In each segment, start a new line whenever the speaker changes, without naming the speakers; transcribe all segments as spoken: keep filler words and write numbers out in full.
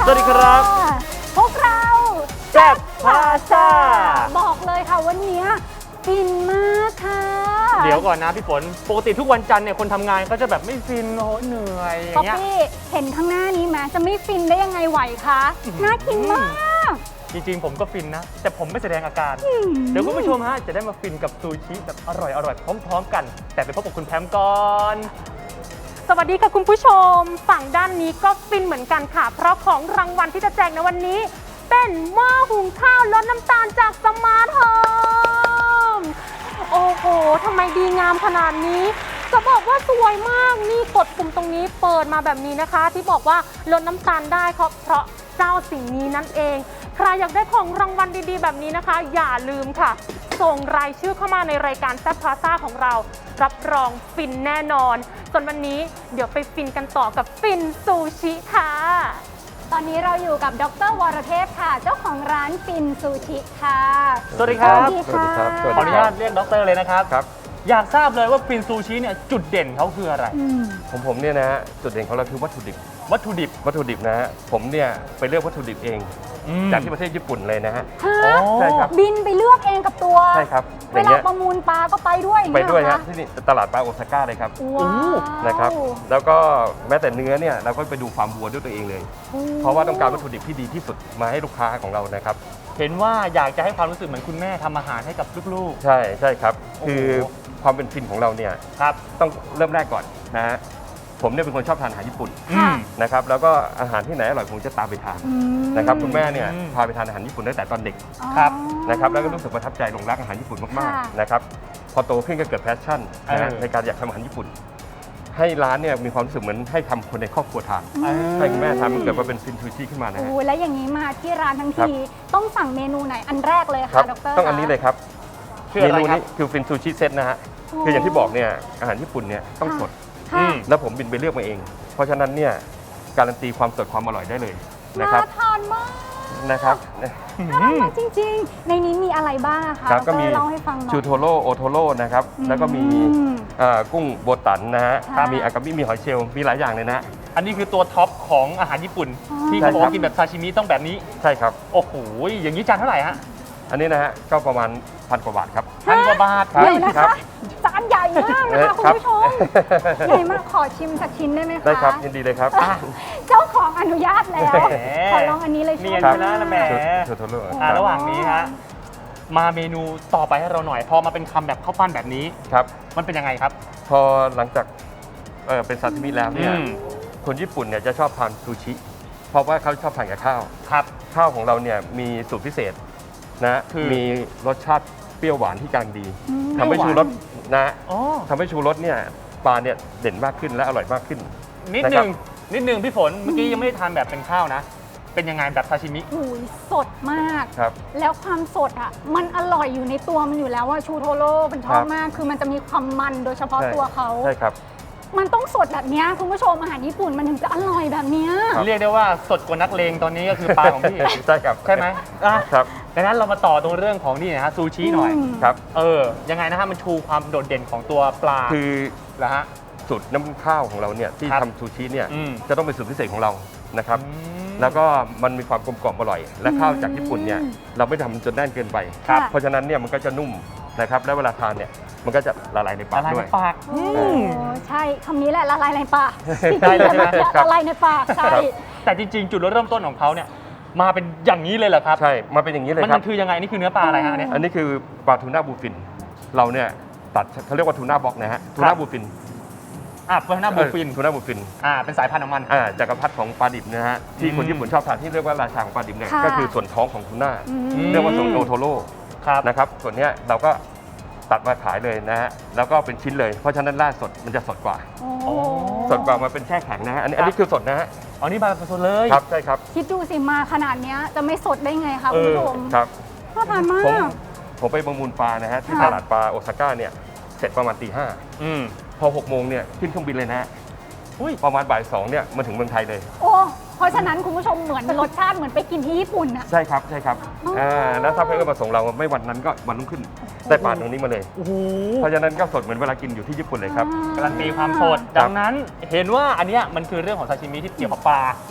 สวัสดีครับ
พวกเรา
แซ่บพาซ่า
บอกเลยค่ะวันนี้ฟินมากค่ะ
เดี๋ยวก่อนนะพี่ฝนปกติทุกวันจันทร์เนี่ยคนทำงานก็จะแบบไม่ฟินโอ้เหนื่อยอย่างเงี้ย
พี่เห็นข้างหน้านี้ไหมจะไม่ฟินได้ยังไงไหวคะน่ากินมาก
จริงๆผมก็ฟินนะแต่ผมไม่แสดงอาการเดี๋ยวคุณผู้ชมฮะจะได้มาฟินกับซูชิแบบอร่อยอร่อยพร้อมๆกันแต่ไปพบกับคุณแพมก่อน
สวัสดีค่ะคุณผู้ชมฝั่งด้านนี้ก็ฟินเหมือนกันค่ะเพราะของรางวัลที่จะแจกในวันนี้เป็นหม้อหุงข้าวลดน้ำตาลจากสมาร์ทโฮมโอ้โหทำไมดีงามขนาดนี้จะบอกว่าสวยมากนี่กดปุ่มตรงนี้เปิดมาแบบนี้นะคะที่บอกว่าลดน้ำตาลได้เพราะเพราะเจ้าสิ่งนี้นั่นเองใครอยากได้ของรางวัลดีๆแบบนี้นะคะอย่าลืมค่ะส่งรายชื่อเข้ามาในรายการแซ่บพาซ่าของเรารับรองฟินแน่นอนส่วนวันนี้เดี๋ยวไปฟินกันต่อกับฟินซูชิค่ะ
ตอนนี้เราอยู่กับดร.วรเทพค่ะเจ้าของร้านฟินซูชิค่ะ
สวัสดีครับ
สวัสดีครับ
ขออนุญาตเรียกดร.เลยนะครับ
ครับ
อยากทราบเลยว่าฟินซูชิเนี่ยจุดเด่นเขาคืออะไร
ของผมเนี่ยนะฮะจุดเด่นของเราคือวัตถุดิบ
วัตถุดิบ
วัตถุดิบนะฮะผมเนี่ยไปเลือกวัตถุดิบเองจากที่ประเทศญี่ปุ่นเลยนะฮะ
ใช่ครับบินไปเลือกเองกับตัว
ใช่ครับ
เวลาประมูลปลาก็ไปด้วย
ไปด้วยฮะที่นี่ตลาดปลาโอซาก้าเลยครับนะครับแล้วก็แม้แต่เนื้อเนี่ยเราก็ไปดูฟาร์มวัวด้วยตัวเองเลยเพราะว่าต้องการวัตถุดิบที่ดีที่สุดมาให้ลูกค้าของเรานะครับ
เห็นว่าอยากจะให้ความรู้สึกเหมือนคุณแม่ทำอาหารให้กับลูก
ๆใช่ใช่ครับคือความเป็นฟินของเราเนี่ย
ครับ
ต้องเริ่มแรกก่อนนะฮะผมเนี่ยเป็นคนชอบทานอาหารญี่ปุ่นนะครับแล้วก็อาหารที่ไหนอร่อยผมจะตามไปทานนะครับคุณแม่เนี่ยพาไปทานอาหารญี่ปุ่นตั้งแต่ตอนเด็ก
ครับ
นะครับแล้วก็รู้สึกประทับใจหลงรักอาหารญี่ปุ่นมากๆนะครับพอโตขึ้นก็เกิดแพชชั่นนะในการอยากทำอาหารญี่ปุ่นให้ร้านเนี่ยมีความรู้สึกเหมือนให้ทำคนในครอบครัวทานให้คุณแม่ทำมันเกิดมาเป็นฟินซูชิขึ้นมานะฮะ
โอ้แล้วอย่างนี้มาที่ร้านทั้งทีต้องสั่งเมนูไหนอันแรกเลยค่ะดร.
ต้องอันนี้เลยครับเมนูนี้คือฟินซูชิเซตนะฮะคืออย่างที่บอกเนี่ยอาหารญี่ปุ่นเนี่ยต้องสดแล้วผมบินไปเลือกมาเองเพราะฉะนั้นเนี่ยการันตีความสดความอร่อยได้เลยนะครับ
น่าทานมาก
นะครับ
น่าทานจริงๆในนี้มีอะไรบ้างคะ
ก็มี
เล่าให้ฟังหน่อย
ชูโทโร่โอโทโร่นะครับแล้วก็มีกุ้งโบตันนะฮะมีอากามิมีหอยเชลล์มีหลายอย่างเลยนะ
อันนี้คือตัวท็อปของอาหารญี่ปุ่นที่เขาบอกกินแบบซาชิมิต้องแบบนี้
ใช่ครับ
โอ้โหอย่างนี้จานเท่าไหร่ฮะ
อันนี้นะฮะก็ประมาณพันกว่าบาทครับ
พันกว่าบาท
ครับจานใหญ่มากนะคะคุณผู้ชมใหญ่มากขอชิมสักชิ้นได้ไหมคะ
ได้ครับยินดีเลยครับ
เจ้าของอนุญาตแล้วขอลองอันนี้เลย
เนียนชนะละแหมระหว่างนี้ฮะมาเมนูต่อไปให้เราหน่อยพอมาเป็นคำแบบข้าวปั้นแบบนี้
ครับ
มันเป็นยังไงครับ
พอหลังจากเออเป็นซาซิมิแล้วเนี่ยคนญี่ปุ่นเนี่ยจะชอบทานซูชิเพราะว่าเขาชอบทานกับข้าว
ครับ
ข้าวของเราเนี่ยมีสูตรพิเศษนะมีรสชาติเปรี้ยวหวานที่กลางดีทำให้ชูรสนะทำให้ชูรสเนี่ยปลาเนี่ยเด่นมากขึ้นและอร่อยมากขึ้น
นิดนึงนิดนึงพี่ฝนเมื่อกี้ยังไม่ได้ทานแบบเป็นข้าวนะเป็นยังไงแบบซาชิมิ
อุ้ยสดมาก
ครับ
แล้วความสดอ่ะมันอร่อยอยู่ในตัวมันอยู่แล้วว่าชูโทโร่เป็นชอบมากคือมันจะมีความมันโดยเฉพาะตัวเขา
ใช่ครับ
มันต้องสดแบบนี้คุณผู้ชมอาหารญี่ปุ่นมันถึงจะอร่อยแบบนี้
เรียกได้ว่าสดกว่านักเลงตอนนี้ก็คือปลาของพี่
ใช่ครับ
ใช่ไหม
ครับ
ดังนั้นเรามาต่อตรงเรื่องของนี่นะฮะซูชิหน่อย
ครับ
เออยังไงนะฮะมันชูความโดดเด่นของตัวปลา
คือ
เหรอฮะ
สูตรน้ำข้าวของเราเนี่ยที่ทำซูชิเนี่ยจะต้องเป็นสูตรพิเศษของเรานะครับแล้วก็มันมีความกลมกล่อมอร่อยและข้าวจากญี่ปุ่นเนี่ยเราไม่ทำจนแน่นเกินไปเพราะฉะนั้นเนี่ยมันก็จะนุ่มนะครับและเวลาทานเนี่ยมันก็จะละลายในปากด้วย
ละลายในปาก
ใช่คำนี้แหละละลายในปากใช่เลยละลายในปากใช่
แต่จริงๆจุดเริ่มต้นของเขาเนี่ยมาเป็นอย่างนี้เลยเหรอครับ
ใช่มาเป็นอย่างนี้เลยครับ
มันคือยังไงนี่คือเนื้อปลาอะไรฮะเนี่ย
อันนี้คือปลาทูน่าบูฟินเราเนี่ยตัดเขาเรียกว่าทูน่าบ็อกนะฮะทูน่าบูฟิน
อ่าทูน่าบูฟิน
ทูน่าบูฟิน
อ่าเป็นสายพันธุ์ของมัน
อ่าจักรพรรดิของปลาดิบนะฮะที่คนญี่ปุ่นชอบทานที่เรียกว่าราชาของปลาดิบเนี่ยก็คือส่วนท้องของทูน่าเรียกว่าส่วนโอโทโร่นะครับส่วนนี้เราก็ตัดมาขายเลยนะฮะแล้วก็เป็นชิ้นเลยเพราะฉะนั้นล่าสดมันจะสดกว่าสดกว่ามาเป็นแช่แข็งนะฮะอันนี้อันนี้คือสดนะฮะ
อ๋อนี่มาสดเลย
ครับใช่ครับ
คิดดูสิมาขนาดนี้จะไม่สดได้ไงคะคุณผู้ชม
ครับ
น่าทานมาก
ผมไปประมูลปลานะฮะที่ตลาดปลาโอซาก้าเนี่ยเสร็จประมาณตีห้าพอหกโมงเนี่ยขึ้นเครื่องบินเลยนะประมาณบ่ายสองเนี่ยมาถึงเมืองไทยเลย
โอ้เพราะฉะนั้นคุณผู้ชมเหมือนรสชาติเหมือนไปกินที่ญี่ปุ่นอะ
ใช่ครับใช่ครับแล้วถ้าเพื่อนมาส่งเราไม่วันนั้นก็วันรุ่งขึ้นได้ปลาตรงนี้มาเลยเพราะฉะนั้นก็สดเหมือนเวลากินอยู่ที่ญี่ปุ่นเลยครับ
การันตีความสดดังนั้นเห็นว่าอันนี้มันคือเรื่องของซาชิมิที่เกี่ยวกับปลา
ครับ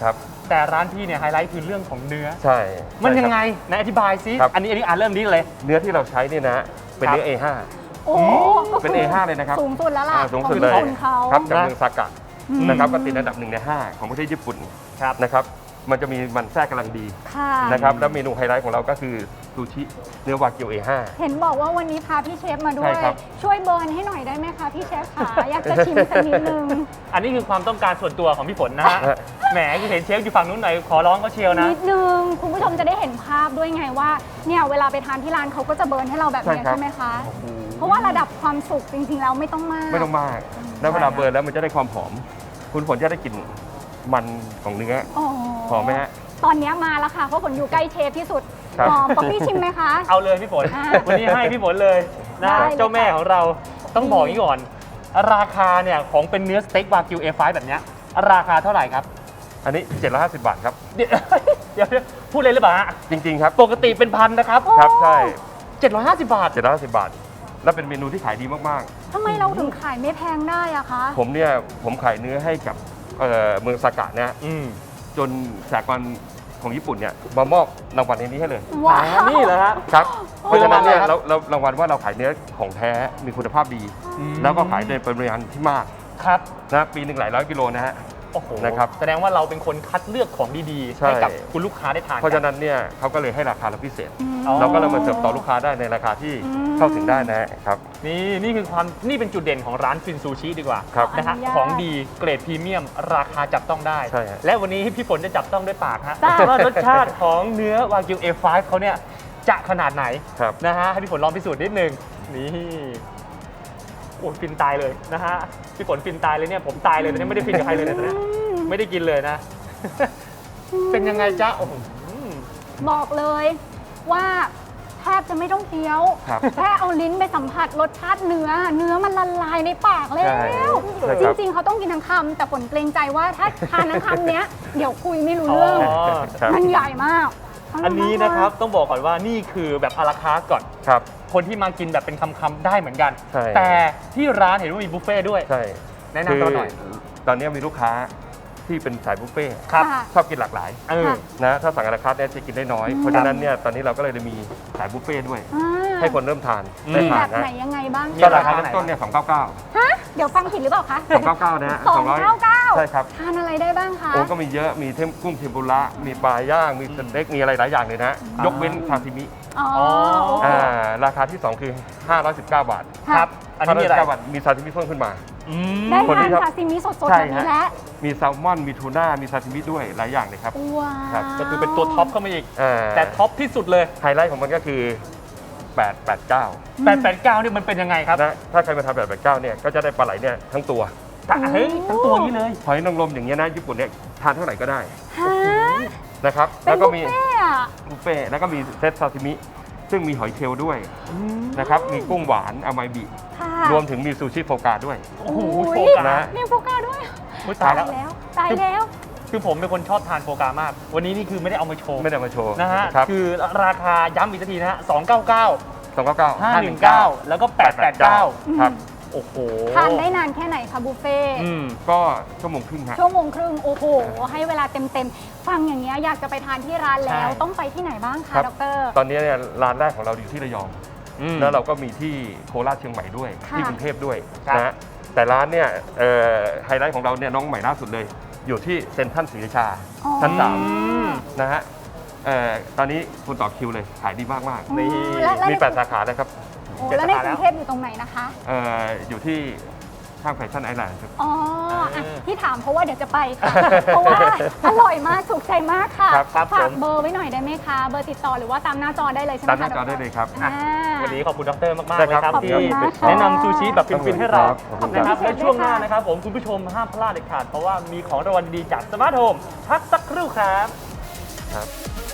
แต่ร้านพี่เนี่ยไฮไลท์คือเรื่องของเนื้อ
ใช่
มันยัง
ใช่
ไง
ครับ
ไหนอธิบายซิ
ครับ
อันนี้อันนี้อ่านเริ่มนี้เลย
เนื้อที่เราใช้เนี่ยนะเป็นเนื้อ เอ ห้า
โอ้ก็
เป็น
คือ
เอ ห้า เลยนะครับ
สูงสุดแล้วล่ะ
อ่าสูงสุดเลย
ของญี่ปุ่นเขา
ครับจากเมืองซากะ
อืม
นะครับก็ติดอันดับหนึ่งในห้าของประเทศญี่ปุ่น
ครับ
นะครับมันจะมีมันแทรกกำลังดี
ค่ะ
นะครับแล้วเมนูไฮไลท์ของเราก็คือซูชิเนื้อวากิว เอ ห้า
เห็นบอกว่าวันนี้พาพี่เชฟมาด้ว
ใช่
ย
ครับ
ช่วยเบิร์นให้หน่อยได้ไหมคะพี่เชฟขาอยากจะชิมสักนิดนึง
อันนี้คือความต้องการส่วนตัวของพี่ฝนนะฮะ แหมคือเห็นเชฟอยู่ฝั่งนู้นหน่อยขอร้องเขาเชียวนะ
นิดนึง คุณผู้ชมจะได้เห็นภาพด้วยไงว่าเนี่ยเวลาไปทานที่ร้านเขาก็จะเบิร์นให้เราแบบเนี้ย
ใช่ครับ
ใช่ไหมคะ เพราะว่าระดับความสุกจริงๆแล้วไม่ต้องมาก
ไม่ต้องมาก แล้วเวลาเบิร์นแล้วมันจะได้ความหอม คุณฝนจะได้กลิ่นมันของเนื้อ
อ๋อ
หอมไหมฮะ
ตอนเนี้ยมาแล้วค่ะเพราะฝนอยู่ใกล้เชฟที่สุด
ครับ
หอมป๊อปปี้ชิมไหมคะ
เอาเลยพี่ฝน
อ่า
วันนี้ให้พี่ฝนเลยนะ
ได้เลย
เจ้าแม่ของเราต้องบอกอย่างนี้ก่อน ราคาเนี่ยของเป็นเนื้อสเต็กวากิว เอ ไฟว์ แบบเนี้ยราคาเท่าไหร่ครับ
อันนี้เจ็ดร้อยห้าสิบบาทครับ
เดี๋ยว เดี๋ยวพูดเลยหรือเปล่าฮะ
จริง ๆ ครับ
ปกติเป็นพันนะครับ
ครับใช่
เจ็ดร้อยห้าสิบบาท
เจ็ดร้อยห้าสิบบาท แล้วเป็นเมนูที่ขายดีมาก
ทำไมเราถึงขายไม่แพงได้อะคะ
ๆ ผมเนี่ยผมขายเนื้อให้กับเอ่อเมืองซากะเนี่ย
อืม
จนสากลของญี่ปุ่นเนี่ยมามอบรางวัลในนี้ให้เลย
ว้า
อ่าว นี่เหรอฮะ
ครับ เพราะฉะนั้นเนี่ย
โอ้
เราเรารางวัลว่าเราขายเนื้อของแท้มีคุณภาพดี
อืม
แล้วก็ขายในปริมาณที่มาก
ครับ
นะปีหนึ่งหลายร้อยกิโลนะฮะ
โอ้โห
นะครับ
แสดงว่าเราเป็นคนคัดเลือกของดีๆ
ใช่
ให้กับคุณลูกค้าได้ทาน
เพราะ
กั
ฉะนั้นเนี่ยเขาก็เลยให้ราคาเราพิเศษ
อ๋อ
เราก็เลยมาเสิร์ฟต่อลูกค้าได้ในราคาที่
อืม
เข้าถึงได้นะครับ
นี่นี่คือความนี่เป็นจุดเด่นของร้านฟินซูชิดีกว่า
ครับ
นะฮะ
อนุญาต
ของดีเกรดพรีเมียม ราคาจับต้องได้
ใช่ฮะ
และวันนี้พี่ฝนจะจับต้องด้วยปากฮะ
จ้า
ว่ารสชาติของเนื้อวากิว เอ ไฟว์ เขาเนี่ยจะขนาดไหน
ครับ
นะฮะให้พี่ฝนลองพิสูจน์นิดนึงนี่โอ้ยฟินตายเลยนะฮะพี่ฝนฟินตายเลยเนี่ยผมตายเลยตอนนี้ไม่ได้ฟินกับใครเลยเนี่ยตอนนี้ไม่ได้กินเลยนะ เป็นยังไงจ๊ะโอ้โห
บอกเลยว่าแทบจะไม่ต้องเคี้ยว
ครับ
แค่เอาลิ้นไปสัมผัสรสชาติเนื้อ เนื้อมันละลายในปากแล้
ใช่
ว
ใช่
จ
ครับ
ริง ๆ เขาต้องกินทั้งคำแต่ผลเกรงใจว่าถ้าทานทั้งคำเนี้ย เดี๋ยวคุยไม่รู้เรื่อง
อ๋อ
ครับ
มันใหญ่มาก
อันนี้นะครับต้องบอกก่อนว่านี่คือแบบอาราคาร์ทก่อน
ครับ
คนที่มากินแบบเป็นคำๆได้เหมือนกัน
ใช่
แต่ที่ร้านเห็นว่ามีบุฟเฟ่ต์ด้วย
ใช่
แนะนำตัวหน่อย
คือตอนนี้มีลูกค้าที่เป็นสายบุฟเฟ่ต์
ครับ
ค่ะ
ชอบกินหลากหลาย
เออ
ค่ะ
นะถ้าสั่งอาราคาร์ทเนี่ยจะกินได้น้อย
อืม
เพราะฉะนั้นเนี่ยตอนนี้เราก็เลยมีสายบุฟเฟ่ต์ด้วย
อ่า
ให้คนเริ่มทาน
อืม
ได้
มี
ทา
แบ
น
บ
นะ
ไหนยังไงบ้าง
มี
ก็
อะไร
ราคาเริ่มต้นเนี่ยสองเก้าเก้า
ฮะเดี๋ยวฟังผิดหรือเปล่าคะ
สองเก้าเก้านะฮะ
สองเก้าเก้า
ใช่ครับ
ทานอะไรได้บ้างคะ
โอ้ก็มีเยอะมีเทมกุ้งเทมปุระมีปลาย่างมีสเต็กมีอะไรหลายอย่างเลยนะ ยกเว้นซาซิมิ
อ๋อ
โอเค
อ่าราคาที่สองคือห้าร้อยสิบเก้าบาท
ค่ะ
ครับ อันนี้มีอะไร
ห้าร้อยสิบเก้าบาทมีซาซิมิเพิ่มขึ้นมา
อืม
ได้
คน
ทา
ที่
น
ชอบ
ซาซิมิสดๆ
ใช่
แบบนี้
ฮะ
แล้ว
มีแซลมอนมีทูน่ามีซาซิมิด้วยหลายอย่างเลยครับ
ว้า
ครับ
ว
ก็คือเป็นตัวท็อปเข้ามาอีก
อ่า
แต่ท็อปที่สุดเลย
ไฮไลท์ของมันก็คือแปดแปดเก้า
แปดแปดเก้าเนี่ยมันเป็นยังไงครับ
นะถ้าใครมาทำแบบแปดเก้าเนี่ยก็จะได้ปลาไหลเนี่ยทั้งตัว
แต่เฮ้ยทั้งตัวนี้เลย
หอยนางรมอย่างเงี้ยนะญี่ปุ่นเนี่ยทานเท่าไหร่ก็ได้
ฮะ
นะครับ
เป็
แล้
น
วก็
บุฟ
มี
เฟ่ต์อะ
บุฟเฟ่ต์แล้วก็มีเซตซาซิมิซึ่งมีหอยเชลล์ด้วยนะครับมีกุ้งหวานอามาบิ
ค่ะ
รวมถึงมีซูชิโฟกาด้วย
โอ้โห
โอ้
โฟ
ย
กา
นะ
มีโฟกาด้วย
อุ๊ยตายแล้ว
แล้วตายแล้ว
คือผมเป็นคนชอบทานโฟกามาก วันนี้นี่คือไม่ได้เอามาโชว์
ไม่ได้มาโชว์
นะฮะ
ครับ
คือราคาย้ำอีกทีนะฮะสองเก้าเก้า
สองเก้าเก้า
ห้าหนึ่งเก้าแล้วก็แปดแปดเก้า
ครับ
โอ้โห
ทานได้นานแค่ไหนคะบุฟเฟ่ต์
อืม
ก็ชั่วโมงครึ่งครับ
ชั่วโมงครึ่ง โอ้โห ให้เวลาเต็มๆ ฟังอย่างเงี้ยอยากจะไปทานที่ร้านแล้ว
ใช่
ต้องไปที่ไหนบ้าง
ค
คะ
รับ
ดอกเตอร
ตอนนี้เนี่ยร้านแรกของเราอยู่ที่ระยอง
อืม
แล้วเราก็มีที่โคราชเชียงใหม่ด้วย
ค่ะ
ที่กรุงเทพด้วย
ครับ
นะฮะแต่ร้านเนี่ยเอ่อไฮไลท์ของเราเนี่ยน้องใหม่ล่าสุดเลย อยู่ที่เซ็นทรัลศรีราชา
อ๋อ
ชั้นสาม
อืม
นะฮะเอ่อตอนนี้คุณต่อคิวเลยขายดีมากมากๆ
นี่
และและ
มี
ใน
แปดสาขานะครับ
โอ้แล้วในกรุงเทพอยู่ตรงไหนนะคะ
เอ่ออยู่ที่ข้างแฟชั่นไอแลนด์ครับ
อ๋ออ่ะ
เออ
ที่ถามเพราะว่าเดี๋ยวจะไปค่ะ เพราะว่าอร่อยมากถูกใจมากค่ะ
ครับครับ
ฝาก
ผม
เบอร์ไว้หน่อยได้ไหมคะ เบอร์ติดต่อหรือว่าตามหน้าจอได้เลยใช่ไหม
ตาม
คะ
หน้าจอ
ดร
ได้เลยครับ
อ่า
วันนี้ขอบคุณดรมากๆ
ได้
เลย
ครับ
ครับ
ขอบ
ที่
คุณมากค่ะ
แนะนำซูชิแบบฟินๆให้เรา
ขอบคุณครับ
นะครับ
ขอบคุณครับ
และช่วงหน้านะครับผมคุณผู้ชมห้ามพลาดเด็ดขาดเพราะว่ามีของรางวัลดีๆจากสมาร์ทโฮมพักสักครู่ครับ
ครับ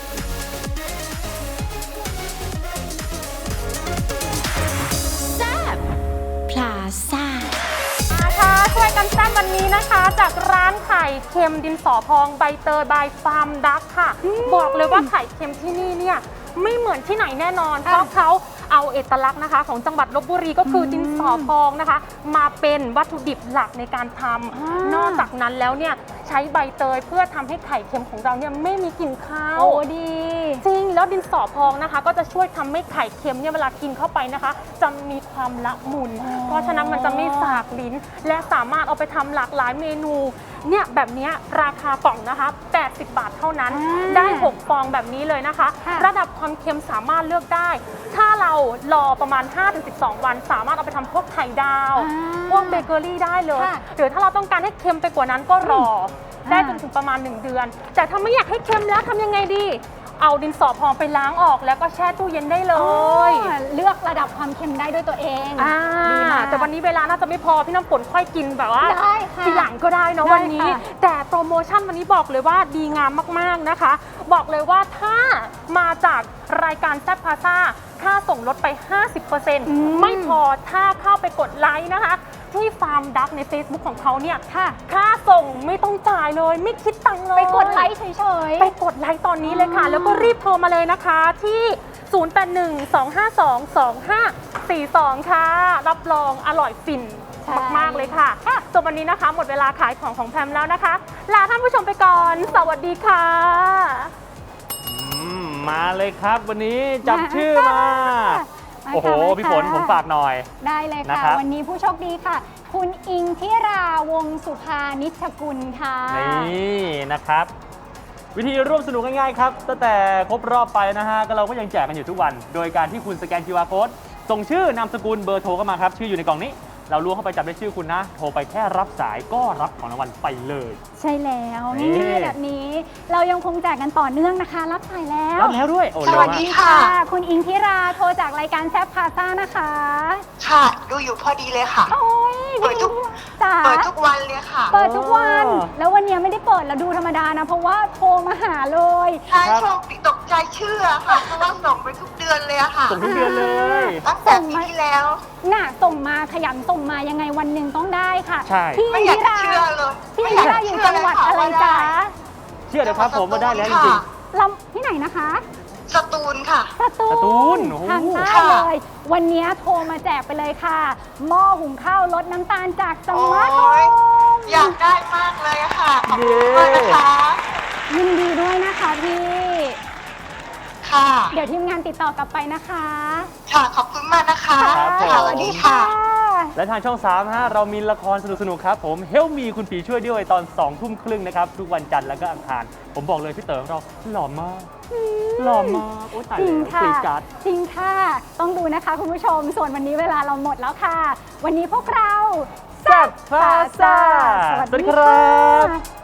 พลาซ่า
มาค่ะช่วยกันแซ่บวันนี้นะคะ จากร้านไข่เค็มดินสอพองใบเตยบายฟาร์มดักค่ะ บอกเลยว่าไข่เค็มที่นี่เนี่ยไม่เหมือนที่ไหนแน่นอน เพราะเขาเอาเอกลักษณ์นะคะ ของจังหวัดลพบุรีก็คือดินสอพองนะคะ มาเป็นวัตถุดิบหลักในการทำนอกจากนั้นแล้วเนี่ยใช้ใบเตยเพื่อทำให้ไข่เค็มของเราเนี่ยไม่มีกลิ่นคาว
โอ้ดี
จริงแล้วดินสอพองนะคะ ก็จะช่วยทำให้ไข่เค็มเนี่ยเวลากินเข้าไปนะคะ จะมีความละมุน เพราะฉะนั้นมันจะไม่สากลิ้น และสามารถเอาไปทำหลากหลายเมนูเนี่ยแบบเนี้ยราคากล่องนะคะแปดสิบบาทเท่านั้น
อ่า
ได้หกฟองแบบนี้เลยนะคะ
ค่ะ
ระดับความเค็มสามารถเลือกได้ ถ้าเรารอประมาณ ห้าถึงสิบสอง วัน สามารถเอาไปทำพวกไข่ดาว
อ่า
พวกเบเกอรี่ได้เลย
ค่ะ
หรือถ้าเราต้องการให้เค็มไปกว่านั้นก็รออ
ม
ได้
อ่า
จนถึงประมาณ หนึ่ง เดือน แต่ถ้าไม่อยากให้เค็มแล้วทำยังไงดี เอาดินสอพองไปล้างออกแล้วก็แช่ตู้เย็นได้เล
อ๋
ย
อเลือกระดับความเค็มได้ด้วยตัวเอง
อ่า
ดีมาก
แต่วันนี้เวลาน่าจะไม่พอพี่น้ำฝนค่อยกินแบบว่า
ได้ค่ะ
ทีหลังก็ได้เนอะ
ได้
วันนี้
ค่ะ
แต่โปรโมชั่นวันนี้บอกเลยว่าดีงามมากๆนะคะ บอกเลยว่าถ้ามาจากรายการแซ่บพาซ่าค่าส่งลดไป ห้าสิบเปอร์เซ็นต์
อืม
ไม่พอถ้าเข้าไปกดไลค์นะคะ ที่ฟาร์มดักใน Facebook ของเขาเนี่ย
ค่ะ
ค่าส่งไม่ต้องจ่ายเลย ไม่คิดตังค์เลย
ไปกดไลค์เฉยๆ
ไปกดไลค์ตอนนี้เลยค่ะ
อ๋อ
แล้วก็รีบโทรมาเลยนะคะที่ ศูนย์ แปด หนึ่ง สอง ห้า สอง สอง ห้า สี่ สอง ค่ะ รับรองอร่อยฟิน
ใช่
มาก ๆ เลยค่ะส่วนวันนี้นะคะ หมดเวลาขายของของแพมแล้วนะคะ ลาท่านผู้ชมไปก่อน สวัสดีค่ะ
อืมมาเลยครับวันนี้จับชื่อมา
มา
โอ้โห
ค่ะมา
พี่ฝน
ค่ะ
ผมฝากหน่อย
ได้เลย
นะ
ค่ะ
ครับ
วันนี้ผู้โชคดีค่ะ คุณอิงทิราวงศ์สุภานิชกุลค่ะ
นี่นะครับ วิธีร่วมสนุกง่ายๆครับตั้งแต่ครบรอบไปนะฮะก็เราก็ยังแจกกันอยู่ทุกวัน โดยการที่คุณสแกน คิว อาร์ Code ส่งชื่อนามสกุลเบอร์โทรเข้ามาครับ ชื่ออยู่ในกล่องนี้ เราล้วงเข้าไปจับได้ชื่อคุณนะ โทรไปแค่รับสายก็รับของรางวัลไปเลย
ใช่แล้ว
นี่
ง่ายๆแบบนี้ เรายังคงแจกกันต่อเนื่องนะคะ รับสายแล้ว
รับแล้วด้วยโอ้
ส
เร็ว
วัส
มาก
ดีค่ะ คุณอิงทิราโทรจากรายการแซฟพาซ่านะคะ
ค่ะ ดูอยู่พอดีเลยค่ะ
โอ้ย
เปิดทุก
จ๋า
เปิดทุกวันเลยค่ะ
เปิดทุกวัน แล้ววันนี้ไม่ได้เปิดแล้วดูธรรมดานะ เพราะว่าโทรมาหาเลย
ใช่โชคดีตกใจเชื่อค่ะ เพราะว่าส่งไปทุกเดือนเลยอะค่ะ
ส่งทุกเดือนเลย
ตั้งแต่ปีที่แล้ว
น่ะส่งมาขยันส่งมายังไงวันหนึ่งต้องได้ค่ะ
ใช่
พี่
ไม่
อิ
อยาง ก
ทิ
จะ
รา
เชื่อเลย
พี่
ไม่
อิง
อยาก
ทิราอยู่
จะเชื่
จังหวัด
เลยค่
อะไร
ว่า
จ๊ะ
ด้
เชื่อเดี๋ยวครับผมว่าได้แล้วจริง
ลำที่ไหนนะคะ
สตูลค่ะ
สตู
สตูลโอ้โห
ทางใต้
ค่ะ
เลย วันนี้โทรมาแจกไปเลยค่ะ หม้อหุงข้าวลดน้ำตาลจากส
โอ้
มาร์ทโฮ
ย
ม
อยากได้มากเลยอะค่ะ ขอบ
เย้
คุณมากนะคะ
ยินดีด้วยนะคะพี่
ค่ะ
เดี๋ยวทีมงานติดต่อกลับไปนะคะ
ค่ะ ขอบคุณมากนะคะ
ครับผม
ค่ะสวัสดีค่ะ
และทางช่อง สาม ฮะเรามีละครสนุกๆครับผม Help Me คุณผีช่วยด้วยตอนสองทุ่มครึ่งนะครับ ทุกวันจันทร์และก็อังคาร ผมบอกเลยพี่เต๋อของเราหล่อมาก หล่อมากโอ้ตาย
จริง
แล้ว
ค่ะ
กรีดกราร์ด
จริงค่ะ ต้องดูนะคะคุณผู้ชม ส่วนวันนี้เวลาเราหมดแล้วค่ะ วันนี้พวกเรา
แซ่บพาซ่า
สวัส
สวัสดี
ดี
ค
ค่
รับ
ะ